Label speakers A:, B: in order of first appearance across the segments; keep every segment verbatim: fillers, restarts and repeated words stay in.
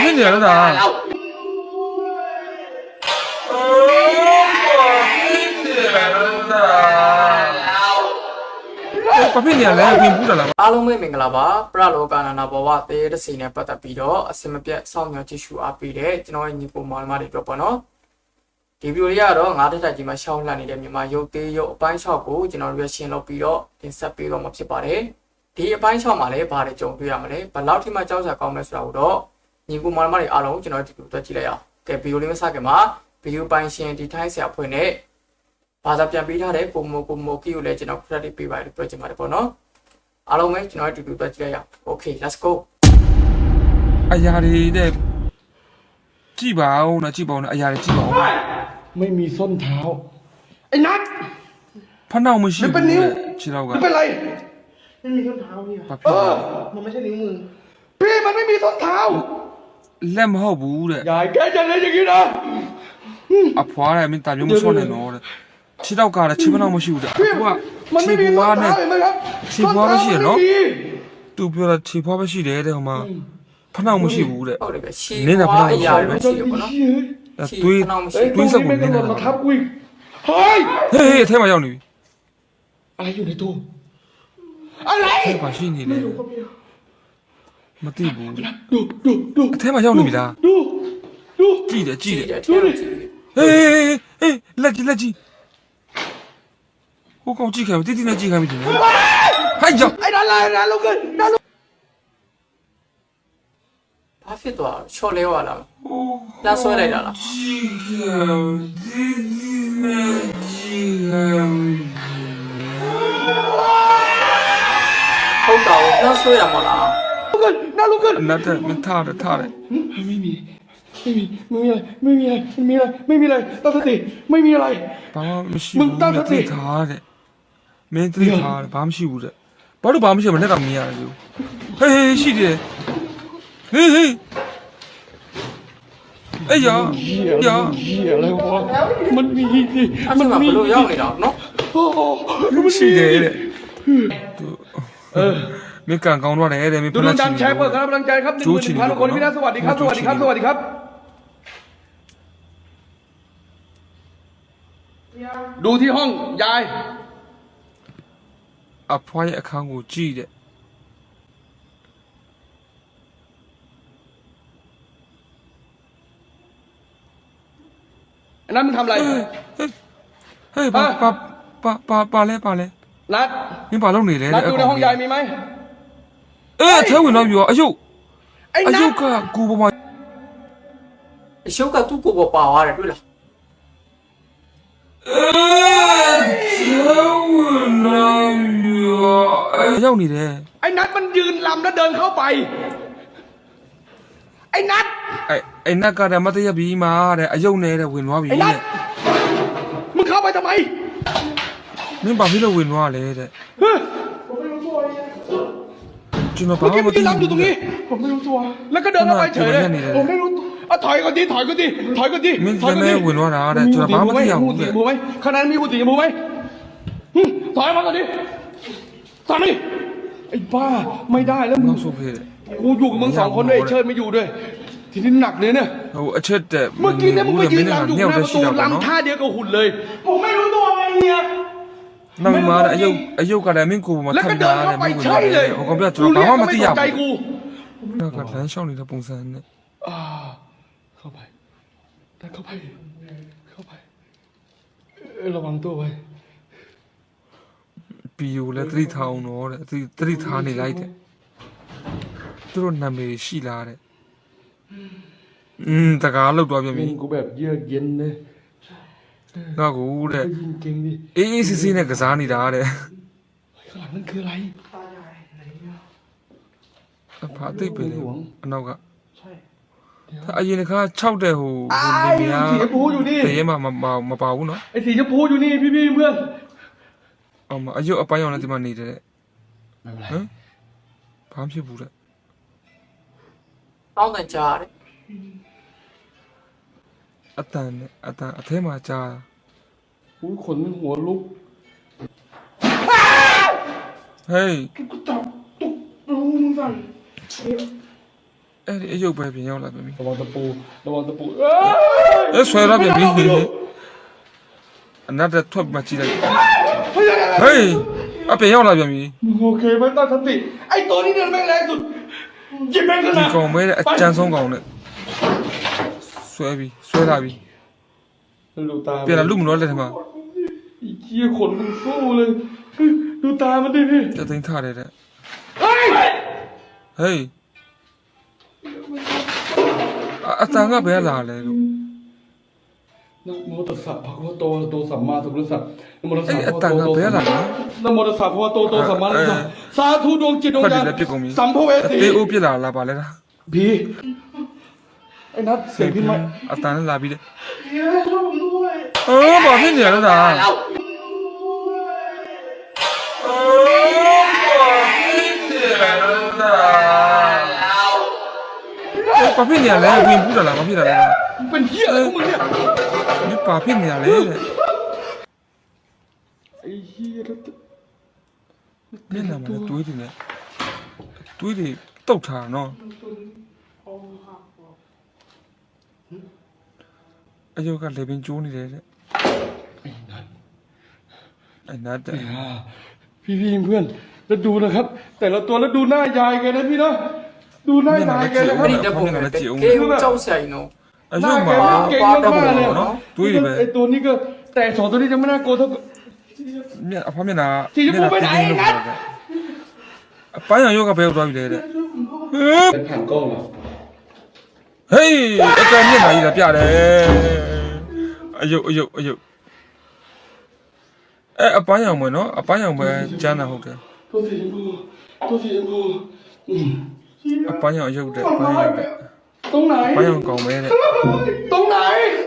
A: ဖြစ်နေရတာဘာဖြစ်နေရလဲပြင်ပူးတာလား
B: အားလုံးပဲမင်္ဂလာပါပရလောကနာနာဘဝတေးတစီနဲ့ပတ်သက်ပြီးတော့အစင်မပြတ်စောင့်မျှော်ကြည့်ရှုအားပေးတဲ့ကျွန်တော်ရဲ့ညီကိုမောင်နှမတွေအတွက်ပေါ့နော်ဒီဗီဒီယိုလေးကတော့ငါးတက်တက်ကြီးမှာရှောင်းလှန်နေတဲ့မြန်မာရုပ်သေးရုပ်အပိုင်း၆ကိုကျွန်တော်တို့ရရှင်းလုပ်ပြီးတော့တင်ဆက်ပေးတော့မှာဖြစ်ပါတယ်ဒီအပိုင်း၆မှာလည်းဘာတွေကြုံတွေ့ရမလဲဘယ်လောက်ထိမှကြောက်စရာကောင်းလဲဆိုတာကိုတော့ညီကိုမောင်နှမတွေအားလုံးကျွန်တော်တို့ဒီလိုတွက်ကြည့်လိုက်အောင်ကဲဗီဒီယိုလေးမစခင်မှာဗီဒီယိုပိုင်းရှင်ဒီထိုင်းဆရာဖွင့်နဲ့ဘာသာပြန်ပေးထားတဲ့ကိုမိုကိုမိုကီကိုလည်းကျွန်တော် credit ပေးပါလို့ပြောချင်ပါတယ်ပေါ့နော်အားလုံးပဲကျွန်တော်တို့တူတူတွက်ကြည့်လိုက်အောင် Okay let's go
A: အရာတွေတဲ့ကြည့်ပါဦးနော်ကြည့်ပါဦးနော်အရာတွေကြည့်ပါဦး
C: ไม่มีส้นเท้าไอ้นัท
A: ဖနှောက်မရှိဘူးခြေထောက်က
C: ไม่เป็นไรไม่มีส้นเท้าพี่เออมันไม่ใช่นิ้วมือพี่มันไม่มีส้นเท้า
A: လက်မဟုတ်ဘူးတဲ့
C: ยายแกจะเล่นอย่างนี้นะ
A: အဖွားတယ်မင်းတာမျိုးမဆွနဲ့နော်တဲ့ခြေထောက်ကလည်းခြေဖနှောက်မရှိဘူးတဲ့အဖွား
C: มันไม่มีส้นเท้าเห็นไหมครับ
A: ခြေဖွားမရှိရနော်သူပြောတာခြေဖွားမရှိတယ်တဲ့ဟိုမှာဖနှောက်မရှိဘူးတဲ့
B: ဟုတ်တယ်ပဲရှီနင်းတာဖနှောက်အရာတွေရှိတယ်ပေါ့နော်
A: တွေးတွေးစက်ကိုနင်းတာ
C: ทับกูเฮ้ย
A: ဟေးဟေးအထဲမှာရောက်နေပြီ
C: อะไรอยู่ในตู้อะไร
A: ဘာရှိနေလဲမသိဘူး
C: ดูดูดู
A: အထဲမှာရောက်နေပြီလား
C: ดูดู
A: ကြည့်တယ်ကြည့်တယ်
B: ดูดิ
A: ဟေးဟေးလက်ကြီးလက်ကြီးဟိုကောင်ကြည့်ခိုင်းတိတိနဲ့ကြည့်ခိုင်းပြီတင်ဟိုက်ကြောက်
C: ไอ้นั่นอะไรนั่นลูกกันนั่นลูก
B: ဘာဖြစ်သွားချော်လဲရလားလာဆွဲလိုက်တာလား
A: ကြည့်ခိုင်းတိတိနဲ့ကြည့်ခိုင်း
B: ဟုတ်တော့လာဆွဲရမလား
C: ลูกกันนั่นลูกกัน
A: นั่นแต่มันท่าแต่ท่าแต่
C: ไม่มีไม่มีไม่มีอะไรไม่มีอะไรไม่มีอะไรไม่มีอะไรตั้งสติไม่มีอะไร
A: ဘာမှမရှိဘူးมึงตั้งสติထားတဲ့မင်းသိထားတယ်ဘာမှမရှိဘူးတဲ့ဘာလို့ဘာမှမရှိမနဲ့တော့မြင်ရတယ်လို့ဟေးဟေးရှိတယ်ဟေးဟေးအေးရရ
C: อะไรวะมันมีสิ
B: มันมีဘလို့ရောက်နေတာနော်
A: ရှိတယ်တဲ့เออမင်းကန်ကောင်းတော့တယ်တဲ့မင်းဖ
C: က်
A: လက်ချင်
C: ดูดังแชร์เปิดกำลังใจครับหนึ่งหมื่นหนึ่งพันคนพี่นะสวัสดีครับสวัสดีครับสวัสดีครับดูที่ห้องยาย
A: အဖွားရဲ့အခန်းကိုကြည့်တဲ့
C: อันนั้นมึงทำอะไร
A: เฮ้ยปาปาปาปาปาလဲปาလဲ
C: นัด
A: မင်းဘာလုပ်နေလဲ
C: นัดดูในห้องยายมีไหม
A: เอ๊ะแท้ဝင်တော့ပြီရောအယုတ်အယုတ်ကကိုပေါ်မှာ
B: အရှုပ်ကသူ့ကိုယ်ပေါ်ပါသွားတယ်တွေ့လား
A: ရောက်နေတယ်
C: ไอ้นัทมันยืนลำแล้วเดินเข้าไปไอ้นัท
A: ไอ้ไอ้นัทကတည်းကမတည့်ပြီးမှတဲ့အယုတ်နဲ့တဲ့ဝင်သွားပြီတဲ့
C: มึงเข้าไปทำไม
A: မင်းဘာဖြစ်လို့ဝင်သွားလဲတဲ့ကျွန်တော်ဘာမှမသိဘူး
C: ตรงนี้ผมไม่รู้ตัวแล้วก็เดินเข้าไปเฉยเลยผมไม่รู้อ่ะถอยก่อนดิถอยก่อนดิถอยก่อนดิ
A: ถอยก่อนดิဝင်သွားတာတဲ့ကျွန်တော်ဘာမှမသိရဘူးတဲ့
C: มูไหมขนาดมีหูตีมูไหมถอยมาก่อนดิถอยมาดิไอ้บ้าไม่ได้แล้วมึงกูอยู่กับมึงสองคนด้วยไอ้เชิดไม่อยู่ด้วยทีนี้หนักเลยเนี่ย
A: โอ้အချက်တဲ့
C: เมื่อกี้เนี่ยมึงไปยืนลำอยู่หน้าประตูลำท่าเดียวกับหุ่นเลยผมไม่รู้ตัวไงเนี่ย
A: နောက်မှာအယုတ်အယုတ်ကလည်းမင်းကိုပေါ်မှာထပ်တာတဲ့မင်းကိုလည်းဟိုကောင်ပြကျွန်တော်ဘာမှမသိရဘူးနောက်ကလမ်းလျှောက်နေတဲ့ပုံစံနဲ့
C: အာเข้าไปแต่เข้าไปเข้าไประวังตัวไว้
A: ပီယိုလည်းသတိထားအောင်တော့တဲ့သတိထားနေလိုက်တဲ့သူတို့နာမည်ရှိလားတဲ့อืมတကားလောက်တော့ပြန်ပြီ
C: กูแบบเยือกเย็นเลย
A: ငါကူတဲ့အေးအေးစစ်စစ်နဲ့ကစားနေတာတဲ့
C: ข้างหลังนั่นคืออะไรตายายไหน
A: อ่ะဘာသိပဲလေအနောက်ကใช่အရင်ကခြောက်တဲ့ဟိုဟိုနေမြာ
C: สีชมพูอยู่นี่
A: တရေမှာမပါဘူးเนาะ
C: ไอ้สีชมพูอยู่นี่พี่ๆเพื่อน
A: အော်မအယုတ်အပိုင်းအောင်လည်းဒီမှာနေတယ်ဟမ်ဘာမှဖြစ်ဘူးတဲ့
B: တောင်းတန်ကြားတယ်
A: အတန်နဲ့အတန်အထဲမှာကြား
C: อุ้ยขนหัวลุก
A: เฮ้ย
C: กูจับตุ๊กมึงสั่น
A: အဲ့ဒီအယုတ်ပဲပြင်ရောက်လာပြန်ပြီ
C: ระวังตะปูระวังตะปู
A: အဲဆွဲတော့ပြန်ပြီအနတ်တက်ထွက်မှကြည့်လိုက်ဟေးအပြင်ရောက်လာပြန်ပြီ
C: โอเคไหมตั้งสติไอ้ตัวนี้เนี่ยแม่งแรงสุดหยิบแม่งขึ้น
A: ဒီ
C: มา
A: ကောင်မဲတဲ့အကြမ်းဆုံးကောင်နဲ့ဆွဲပြီဆွဲလာပြီ
C: ดูตา
A: ပြန်လာလူမလို့လက်ထမှာ
C: ไอ้เหี้ยขนมันสู้เลยดูตามันดิพี่
A: တက်သိမ်းထားတယ်တဲ့
C: เฮ้ย
A: ဟေးအတန်ကဘယ်လာလဲလို့
C: นะโมตัสสะภะคะวะโตอะระหะโตสัมมาสัมพุทธัสสะนะโมตัสสะ
A: အဲ့
C: ภะ
A: အ
C: คะวะ
A: တန်
C: โต
A: ကဘယ်လာလဲ
C: นะโมตัสสะภะคะวะโตอะระหะโตสัมมาสัมพุทธัสสะสาธุดวงจิตดวง
A: ဖတ်
C: ญา
A: တယ်
C: ณ
A: လက်ပြစ်ကုန်ပြီ
C: สัมภเวสี
A: တေးအိုးပြစ်လာလာပါလဲလား
C: พี่ไอ้นัทเสียงพี่ไหม
A: အတန်နဲ့လာပြီတဲ့
C: เฮ้ยช่วยผมด้วย
A: အော်ဘာဖြစ်နေရလဲဒါအော်ဘာဖြစ်နေရလဲဘာဖြစ်နေရလဲဝင်ဘူးလားဘာဖြစ်တာလဲ
C: เป็นเหี้ยอะไรของมึงเนี่ย
A: ဒီဘာဖြစ်နေရလဲတဲ့
C: ไอ้เหี้ยแล้ว
A: မျက်နှာမှာတွေးနေတယ်တွေးတွေတုတ်ထားနော်အယောကလေပင်ကျိုးနေတယ်တဲ့
C: ไอ้นัท
A: အဲ့နတ်တဲ့
C: อ่าพี่พี่เพื่อนแล้วดูนะครับ แต่ละตัวแล้วดูหน้ายายแกนะพี่นะดูหน้ายายแกนะครั
B: အဲ့
C: บ
B: ဒီတက်ပုံနဲ့ကေဦးကြောက်ဆိုင်နော်
A: အယောမှာ
C: เก่งมากๆเลย
A: နော်တွေးတွေပဲ
C: ไอ้ตัวนี้ก็แต่สองตัวนี้จะไม่น่ากลัวเท่า
A: မျက်အဖမျက်နှာ
C: စီချပူပဲไหนนัท
A: အပန်းရောယောကဘယ်ရောက်သွားပြီလဲတဲ့ဟေး
C: ผ่านกล้องเหรอ
A: ဟေးအကမျက်နှာကြီးလာပြတယ်အယုတ်အယုတ်အယုတ်အဲအပန်းရောင်မွေနော်အပန်းရောင်ပဲကျမ်းတာဟုတ်တယ်
C: ตัวสีชมพูตัวสีชมพูอืม
A: အပန်းရောင်အယုတ်တဲ့အပန်းရောင်တဲ့
C: ตรงไหน
A: အပန်းရောင်ကောင်ပဲတဲ့
C: ตรงไหน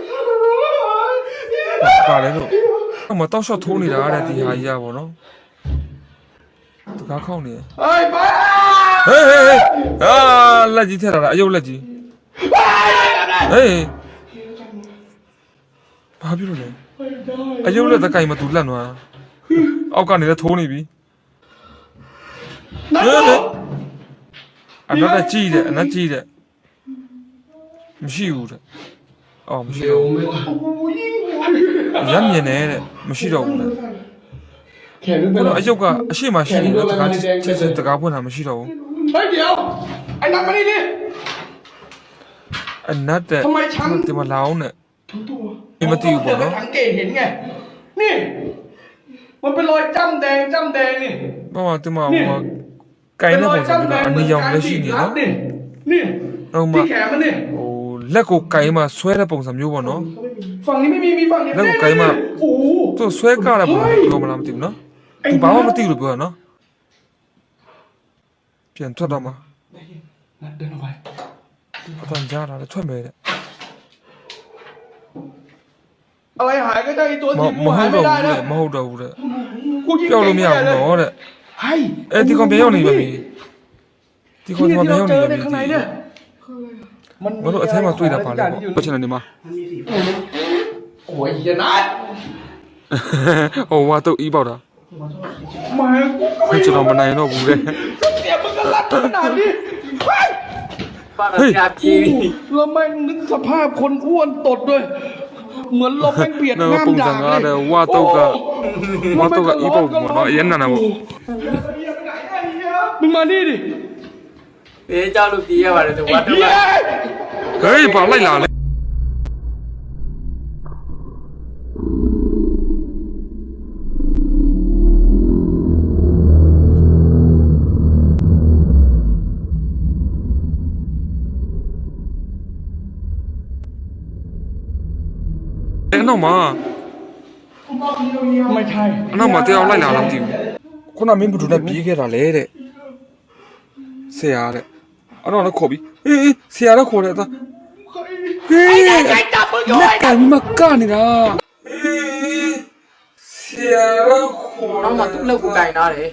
A: ပါလေလို့အမတော့ရှော့ထိုးနေတာတဲ့ဒီဟာကြီးอ่ะဗောနော်တကားခေါင်းနေ
C: ไอ้บ้า
A: ဟေးဟေးဟေးအာလက်ကြီးထက်လာတာအယုတ်လက်ကြီးဟေးဘာဖြစ်လို့လဲအယုတ်လက်တကိုင်မတူလက်နွားအောက်ကနေလည်းထိုးနေပြီ
C: นัท
A: ဟေးဟေးအနက်ကြီးတယ်အနက်ကြီးတယ်မရှိဘူးတဲ့အော်မရှိတော့ဘူးရမ်းမြင်နေတဲ့မရှိတော့ဘူးလေ
C: แขนนึงไป
A: ဘယ်
C: แล้
A: လို
C: ว
A: အယုတ်ကအရှိမရှိတယ်တကားချက်ချက်တကားဖွင့်တာမရှိတော့ဘူး
C: เฮ้ยเดี๋ยวไอ้นัทมานี่ดิ
A: အနက်တဲ့ဒီမှာလောင်းနဲ့
C: ทั้งตัว
A: ဒီမတီးဘူးပေါ့နော်
C: สังเกตเห็นไงนี่ มันเป็นรอยจ้ำแดงจ้ำแดงนี่
A: ဘာမှဒီမှာဟိုကိုင်းတဲ့ပုံစံမျိုးတော့အနီရောင်လည်းရှိနေနော်
C: นี่นี่
A: ဟုတ်မှ
C: ที่แขนมันนี่
A: ဟိုလက်ကိုကိုင်းမှဆွဲတဲ့ပုံစံမျိုးပေါ့နော်
C: ฝั่งนี้ไม่มีมีฝั่งนี้
A: แล้วก็ไกลมาก
C: โอ้โห
A: သူဆွဲကားတဲ့ပုံစံပြောမလားမသိဘူးနော်သူဘာမှမသိဘူးလို့ပြောတာနော်ပြန်ထွက်တော့မှ
C: นัดเดินออกไป
A: အတန်ကြားလာတယ်ထွက်မယ်တဲ့
C: อะไรหายก็ได้ไอ้ตัว
A: မ
C: ที่
A: မ
C: กู
A: ဟု
C: หาย
A: တ်
C: ไม่
A: တော့
C: ได้
A: ဘူး
C: นะ
A: တဲ့မဟုတ်တော့ဘူးတဲ့
C: กูยิง
A: ပြောလို့မရ
C: เก่ง
A: ဘူး
C: แน่เลย
A: နော်တဲ့
C: เฮ้ย
A: အဲဒီကောင်ပြန်ရောက်နေပါပြီဒီကောင်
C: ที่
A: ပြန်
C: ที่
A: ရောက်
C: เรา
A: နေ
C: เจ
A: ပါပြီ
C: อในข้างในเนี่ยมัน
A: မတို့အထဲမှာတွေ့တာပါလေ
C: อยู่
A: ပေါ့ချက်နေဒီမှာ
C: โอ้ยเหี้ยนัด
A: ဟိုဟာတော့အီးပေါက်တာ
C: มากูก็
A: ခွ
C: ไม่
A: ကျွန်တော်မနိုင်တော့ဘူးတဲ့
C: เสียมึงก็รัดขนาดนี้เฮ้ย
B: ပါတော့ကြာပြေးပြီ
C: แล้วแม่งนึกสภาพคนอ้วนตดด้วย เหมือนลมแม่งเบียด
A: နော်
C: ง่าม
A: ပုံစံ
C: ด่าง
A: ကား
C: เล
A: တဲ့
C: ย
A: ဝါတော့ကဝါတော့ကအီးပေါက်ပေါ့နော်အရင်နာနာပေါ့
C: มึงมานี่ดิ
B: ဘေးကြောက်လို့ပြေးရပါတယ်သူဝတ်တော့
C: เหี้ย
A: ဟေးပါလိုက်လာလေအဲ့တော့မှာ
C: ไม่ใช่
A: အနောက်မှာတရားလိုက်လာလားမသိဘူးခုနမင်းဘုဒ္ဓနဲ့ပြေးခဲ့တာလေတဲ့ဆရာတဲ့အဲ့တော့လည်းခေါ်ပြီးအေးအေးဆရာလည်းခေါ်တယ်သားဟေးလက်ကမကနေတာအေးဆရာလည်းခေါ်
B: နောက်မှသူ့လက်ကိုကင်ထားတယ်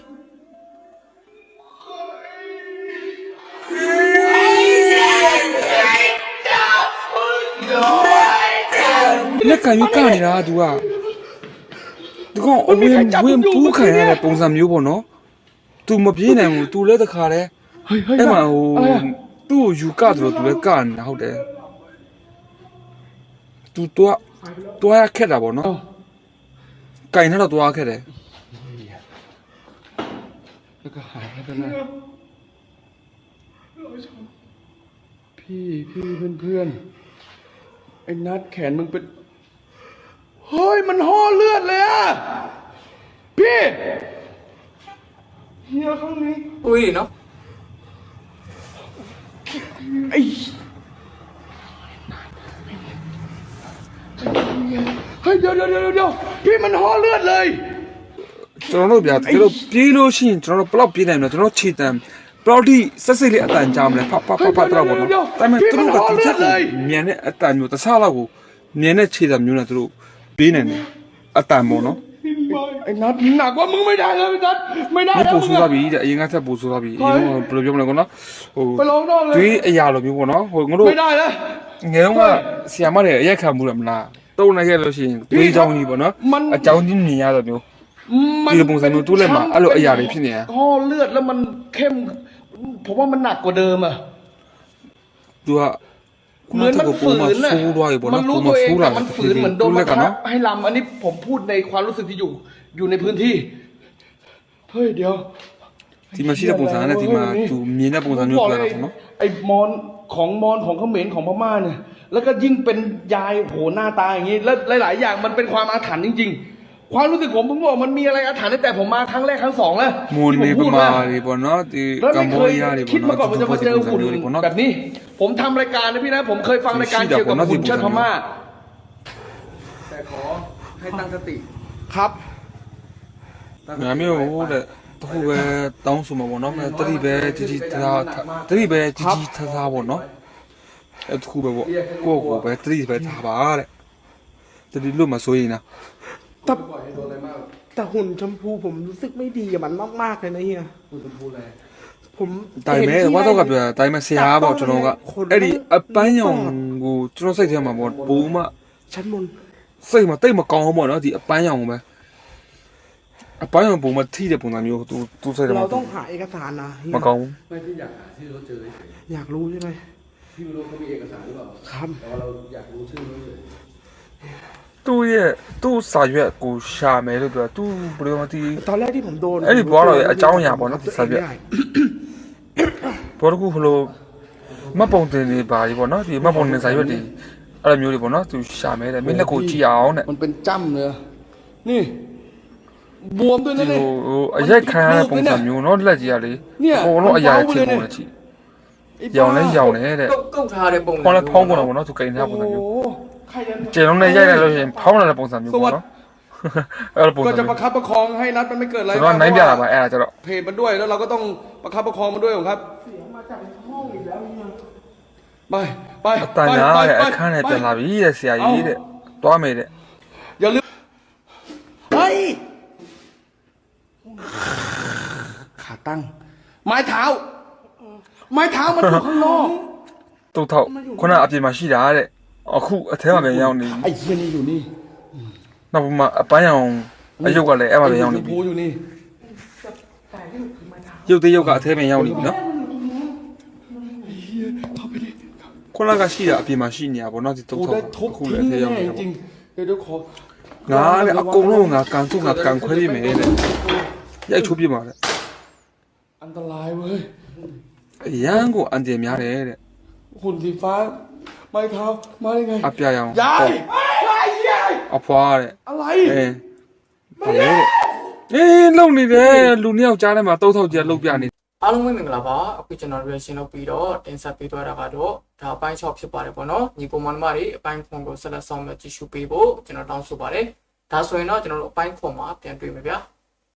A: လက်ကမကနေတာ तू ကဒီကောင်အဝင်ဝင်ပူးခံရတဲ့ပုံစံမျိုးပေါ့နော် तू မပြေးနိုင်ဘူး तू လည်းတခါတည်း
C: เฮ้ยเฮ้ย
A: အဲ့မှာဟို
C: อะไรอะ
A: သူ့ကိုယူကတယ်လို့သူလည်းကနေတာဟုတ်တယ်သူတော့တွားရခက်တာပေါ့နော်ကင်ထားတော့တွားခက်တယ်
C: แล้วก็หายไปแล้วนะพี่พี่เพื่อนเพื่อนไอ้นัดแขนมึงเป็นเฮ้ยมันห่อเลือดเลยอะพี่เฮียข้างนี้
B: อุ้ยเนาะ
C: ไอ้เฮ้ยเดี๋ยวเดี๋ยวเดี๋ยวเดี๋ยวพี่มันห่อเลือดเลย
A: ကျွန်တော်တို့ဗျာတကယ်လို့ပြေးလို့ရှိရင်ကျွန်တော်တို့ဘလောက်ပြေးနိုင်မလဲကျွန်တော်ခြေတံဘလောက်ထိဆက်စိတ်လေးအတန်ကြာမလဲဖဖဖဖတော့ပေါ့နော်ဒါပေမဲ့သူတို့ကသူချက်မြန်တဲ့အတန်မျိုးတခြားလောက်ကိုမြန်တဲ့ခြေတံမျိုးနဲ့သူတို့ပြေးနိုင်တယ်အတန်ပေါ့နော်
C: ไอ้นัดหนักกว่ามึงไม่ได้เลยนัดไม่ได้
A: ဒီ
C: แล้ว
A: ပို
C: มึ
A: ဆိုး
C: ง
A: သွား
C: อะ
A: ပြီတဲ့အရင်ကထက်ပိုဆိုးသွားပြီအရင်ကဘယ်လိုပြောမလဲကောနော်ဟို
C: ไปลองนอกเลย
A: တွေးအရာလိုမျိုးပေါ့နော်ဟိုငါတို့
C: ไม่ได้แล้ว
A: ငယ်တော့ကဆီယာမတွေအရက်ခံမှုတယ်မလားတုံးနေခဲ့လို့ရှိရင်တွေးချောင်းကြီးပေါ့နော်အကြောင်းကြီးမြင်ရတော့မျိုး
C: มัน
A: ဒီလိုပုံစံမျိုးတိုးလက်မှာအဲ့လိုအရာတွေဖြစ်နေရ
C: ห่อเลือดแล้วมันเข้มผมว่ามันหนักกว่าเดิมอะ
A: သူက
C: เหมือนมันฝืน
A: น่ะ
C: น่ะ
A: ဆိုးသွားပြီပေါ့
C: มั
A: နော်
C: นรู้
A: ပုံ
C: ตัวเอง
A: ဆိုးလာ
C: แต่มันฝืนเหมือนโดน
A: လ
C: บั
A: က်
C: ง
A: က
C: คั
A: နော်
C: บให้ลำอันนี้ผมพูดในความรู้สึกที่อยู่ อยู่ในพื้นที่เฮ้ยเดี๋ยว
A: ဒီမှာရှိတဲ့ပုံစံနဲ့ဒီမှာသူမြင်တဲ့ပုံစံမျိုးပြတာပေါ့နော်
C: ไอ้มอนของมอนของเขมรของพม่าเนี่ยแล้วก็ยิ่งเป็นยายโหหน้าตาอย่างนี้แล้วหลายๆอย่างมันเป็นความอาถรรพ์จริงๆ ความรู้สึกผมผมบอกมันมีอะไรอาถรรพ์ตั้งแต่ผมมาครั้งแรกครั้งสองแล้ว
A: မွန်
C: ที่
A: နေ
C: ผม
A: ပ
C: พูด
A: မာ
C: มา
A: တွေပေါ့နော်ဒီ
C: แล้ว
A: ကမ္
C: ไม่
A: ဘော
C: เคย
A: ဒီးယားတွေ
C: คิด
A: ပေါ့
C: มาก่อน
A: နော်
C: ว่าจะมาเจอหุ่น
A: တွေပေါ့နော်
C: แบบนี้ ผมทำรายการนะพี่นะ ผมเคยฟังรายการเกี่ยวกับหุ่นเชิดพม่าแต่ขอให้ตั้งสติครับ
A: ငါမျိုးဟိုတဲ့တခုပဲတောင်းဆိုမှာပေါ့နော်တတိပဲជីជីထားတတိပဲជីជីထားထားပေါ့နော်အဲ့တခုပဲပေါ့ကိုယ့်ကိုယ်ပဲတတိပဲထားပါတဲ့တတိလို့မဆိုရင်นะ
D: แต่แต่หุ่นชมพูผมรู้สึกไม่ดีกับมันมากๆเลยนะเฮียหุ่นชมพูอะไรผม
A: တိုင်မဲဝါတော့ကပြတိုင်မဲဆရာပေါ့ကျွန်တော်ကအဲ့ဒီအပန်းရောင်ကိုကျွန်တော်စိတ်ထဲမှာပေါ့ဘူမ
D: ชั้นบน
A: စိတ်မှာတိတ်မကောင်းဘူးပေါ့နော်ဒီအပန်းရောင်ကိုပဲအပန်းရောင်ဘူမထိတဲ့ပုံစံမျိုးသူသူစိတ်ထဲမှာ
D: เราต้องหาเอกสารนะเฮีย
A: မကောင်းဘူး
C: ไม่ที่อยากหาที่รถเจอเฉย
D: อยากรู้ใช่ไหม
C: พี่ไม่รู้เขามีเอกสารหรือเปล่า
D: ครับ
C: แต่ว่าเราอยากรู้ชื่อรถเฉย
A: သူ့ရဲ့သူ့စာရွက်ကိုရှာမယ်လို့ပြောသူဘယ်လိုမှဒီ
D: ตอนแรกที่ผมโดน
A: အဲ့ဒီဘောတော့အကြောင်းအရာပေါ့နော်ဒီစာရွက်
D: ไม่ได้
A: ဘောတကူဘလို့မတ်ပုံတင်နေပါကြီးပေါ့နော်ဒီမတ်ပုံတင်စာရွက်တွေအဲ့လိုမျိုးတွေပေါ့နော်သူရှာမယ်တဲ့မင်းလက်ကိုကြည့်အောင်တဲ့
C: มันเป็นจ้ำเลยนี่ บวมด้วย
A: ဒီ
C: นะ
A: ဟို
C: นี่
A: ဟိုအရက်ခံရတဲ့ပုံစံမျိုးနော်လက်ကြီးကလေအကုန်လုံးအရာချင်းပုံနဲ့ကြည့်ရောင်လဲရောင်နေတဲ့
B: ကုတ်ကုတ်ထားတဲ့ပုံစံ
A: ဖောင်းလဲဖောင်းကုန်တော့ပေါ့နော်သူကိန်းထားပုံစံမျိုး
C: โอ้ใครจะ
A: ကျင်လုံးနဲ့ရိုက်လိုက်လို့ရှိရင်ဖောင်းလာတဲ့ပုံစံမျိုးပေါ့နော်အဲ့လိုပုံစံ
C: ก็จะ
A: မျိုး
C: ประคับประคองให้นัดมันไม่เกิดอะไร
A: ကျွန်တော်နိုင်ပြတာပါအဲ့ဒါကျတော့
C: เพจมันด้วยแล้วเราก็ต้องประคับประคองมันด้วยครับ
D: เสียงมาจากห้องอีกแล้วเฮีย
C: ไปไป
A: အတန်ညာတဲ့အခန်းနဲ့ပြန်လာပြီတဲ့ဆရာကြီးတဲ့တွားမယ်တဲ့
C: อย่าลืม
D: เฮ้ย
C: ขาตั้ง ไม้เท้า ไม้เท้ามันอยู่ข้างนอก
A: တုတ်ထောက်ခုနအပြင်မှာရှိတာတဲ့အခုအထဲမှာပဲရောက်နေပြီ
C: ไอ้เหี้ยนี่อยู่นี่
A: နောက်ပိုင်းမှာအပန်းရောင်အယုတ်ကလည်းအဲ့မှာပဲရောက်နေ
C: ไอ้
A: ပြီ
C: ชมพูอยู่นี่
D: แต่ที่มันคือไม้เท้า
A: ရုပ်သေးရုပ်ကအထဲမှာရောက်နေပြီနော်
C: เข้าไปดิ
A: ခုနကရှိတာအပြင်မှာရှိနေတာပေါ့နော်ဒီတုတ်
C: โอ้
A: ထော
C: ได้
A: က်
C: ทุบ
A: အခု
C: ทิ้
A: လည်း
C: ง
A: အထဲရောက်
C: แน่
A: နေတာ
C: จริ
A: ပေါ့
C: งๆเดี๋ยวเดี๋ยวขอ
A: ငါလည်းအကုန်လုံးငါကန်ထုတ်ငါကန်ခွဲလိမ့်မယ်တဲ့ရိုက်ချိုးပြပါတဲ့
C: อันตรายเว้ย
A: အရန်ကိုအန်တယ်များတယ်တဲ့
C: หุ่นสีฟ้า ไม้เท้า มาได้ไง
A: အပြရောင်
C: ยายยายยาย
A: အဖွာတဲ့
C: อะไร
A: အဲဘာလဲတဲ့အေးလုံနေတယ်လူနှစ်ယောက်ကြားထဲမှာတုတ်ထောက်ကြီးလှုပ်ပြနေ
B: အားလုံးပဲမင်္ဂလာပါအခုကျွန်တော် reaction လုပ်ပြီးတော့တင်ဆက်ပေးသွားတာကတော့ဒါအပိုင်း၆ဖြစ်ပါတယ်ပေါ့နော်ညီကိုမောင်မတွေအပိုင်းခွန်ကိုဆက်လက်ဆောင်ရွက်ကြည့်ရှုပေးဖို့ကျွန်တော်တောင်းဆိုပါတယ်ဒါဆိုရင်တော့ကျွန်တော်တို့အပိုင်းခွန်မှာပြန်တွေ့မယ်ဗျာ